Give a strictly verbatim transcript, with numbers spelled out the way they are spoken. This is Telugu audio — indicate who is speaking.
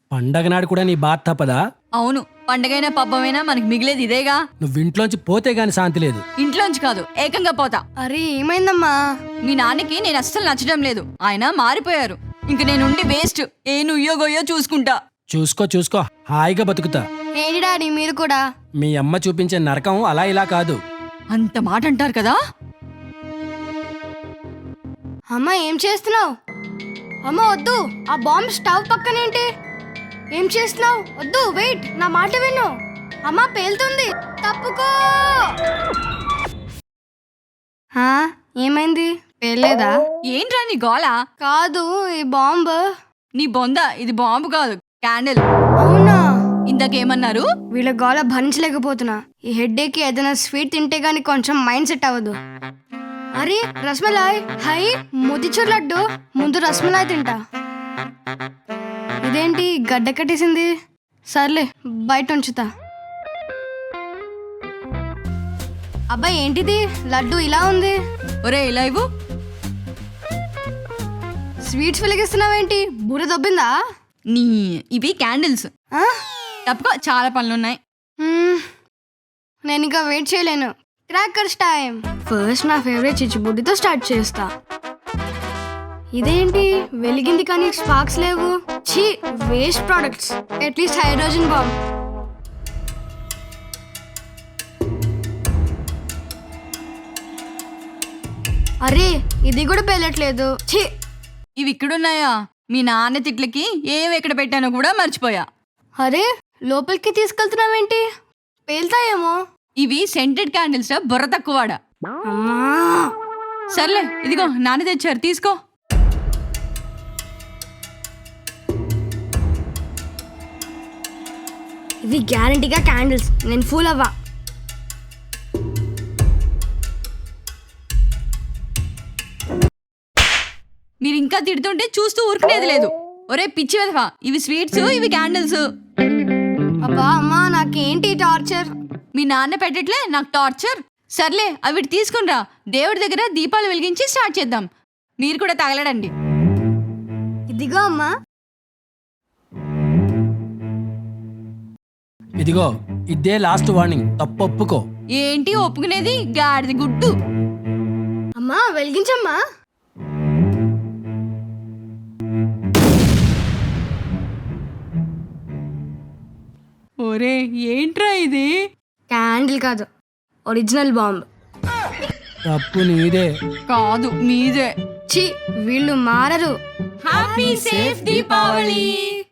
Speaker 1: పండగ నాడు కూడా నీ బాధ తప్పదా?
Speaker 2: అవును, పండగైనా పబ్బమైనా మనకి మిగిలేది ఇదేగా.
Speaker 1: నువ్వు ఇంట్లోంచి పోతే గాని శాంతి లేదు.
Speaker 2: ఇంట్లోంచి కాదు, ఏకంగా పోతా.
Speaker 3: అరే ఏమైందమ్మా?
Speaker 2: మీ నాన్నకి నేను అస్సలు నచ్చడం లేదు. ఆయన మారిపోయారు. ఇంక నేనుండి వేస్ట్. ఏ నుయ్యో గొయ్యో చూసుకుంటా.
Speaker 1: చూసుకో చూసుకో, హాయిగా బతుకుతా.
Speaker 3: ఏంటి డాడీ మీరు కూడా?
Speaker 1: మీ అమ్మ చూపించే నరకం అలా ఇలా కాదు.
Speaker 2: అంత మాట అంటారు కదా.
Speaker 3: అమ్మ ఏం చేస్తున్నావు? అమ్మ వద్దు, ఆ బాంబ్ స్టవ్ పక్కనేంటి? ఏం చేస్తున్నావు? వద్దు, వెయిట్, నా మాట విను. అమ్మ పేలుతుంది, తప్పుకో. హా, ఏమైంది? పేలేదా?
Speaker 2: ఏంట్రా నీ గోళ?
Speaker 3: కాదు, ఈ బాంబ్.
Speaker 2: నీ బొంద, ఇది బాంబు కాదు, క్యాండిల్.
Speaker 3: అవునా?
Speaker 2: ఇందాకేమన్నారు?
Speaker 3: వీళ్ళ గోళ భరించలేకపోతున్నా. ఈ హెడ్ఏకి ఏదైనా స్వీట్ తింటే గానీ కొంచెం మైండ్ సెట్ అవ్వదు. అరే రస్మలాయ్, హై మోతిచూర్ లడ్డు. ముందు రస్మలాయ్ తింటా. ఇదేంటి గడ్డ కట్టేసింది? సర్లే బయట ఉంచుతా. అబ్బాయి ఏంటిది లడ్డు ఇలా ఉంది?
Speaker 2: ఒరే ఇలా ఇవ్వు.
Speaker 3: స్వీట్స్ వెలిగిస్తున్నావేంటి? బుర్ర దొబ్బిందా?
Speaker 2: నీ ఇవి క్యాండిల్స్.
Speaker 3: ఆ?
Speaker 2: తప్పుకో, చాలా పనులున్నాయి.
Speaker 3: మ్మ్. నేను ఇంకా వెయిట్ చేయలేను. Crackers time. ఫస్ట్ నా ఫేవరెట్ చిచ్చుబుడ్డితో స్టార్ట్ చేస్తా. ఇదేంటి వెలిగింది కానీ స్పార్క్స్ లేవు. ఛీ, waste products. At least hydrogen bomb. అరే ఇది కూడా పేలట్లేదు. ఛీ.
Speaker 2: ఇవి ఇక్కడున్నాయా? మీ నాన్న తిట్లకి ఏవి ఎక్కడ పెట్టానో కూడా మర్చిపోయా.
Speaker 3: అరే లోపలికి తీసుకెళ్తున్నావేంటి? పేల్తాయేమో.
Speaker 2: ఇవి సెంటెడ్ క్యాండిల్స్, బుర్ర తక్కువాడా.
Speaker 3: అమ్మా.
Speaker 2: సర్లే, ఇదిగో నాన్న తెచ్చారు, తీసుకో.
Speaker 3: ఇవి గ్యారంటీగా క్యాండిల్స్. నేను ఫూల్ అవ్వా.
Speaker 2: మీరు ఇంకా తిడుతుంటే చూస్తూ ఊరుకునేది లేదు. ఒరే పిచ్చి వెధవా, ఇవి స్వీట్స్, ఇవి క్యాండిల్స్.
Speaker 3: అబ్బా అమ్మా, నాకేంటి టార్చర్?
Speaker 2: మీ నాన్న పెట్టట్లే, నాకు టార్చర్. సర్లే అవి తీసుకునిరా, దేవుడి దగ్గర దీపాలు వెలిగించి స్టార్ట్ చేద్దాం. మీరు కూడా తగలడండి.
Speaker 3: ఇదిగో అమ్మా.
Speaker 1: ఇదిగో ఇదే లాస్ట్ వార్నింగ్, తప్పొప్పుకో.
Speaker 2: ఏంటి ఒప్పుకునేది? గాడిది గుడ్డు.
Speaker 3: అమ్మా వెలిగించమ్మా.
Speaker 2: ఒరే ఏంట్రా ఇది?
Speaker 3: క్యాండిల్ కాదు, ఒరిజినల్ బాంబ్.
Speaker 1: తప్పు నీదే.
Speaker 2: కాదు మీదే.
Speaker 3: ఛీ, వీళ్ళు మారరు.
Speaker 2: Happy safe Deepavali.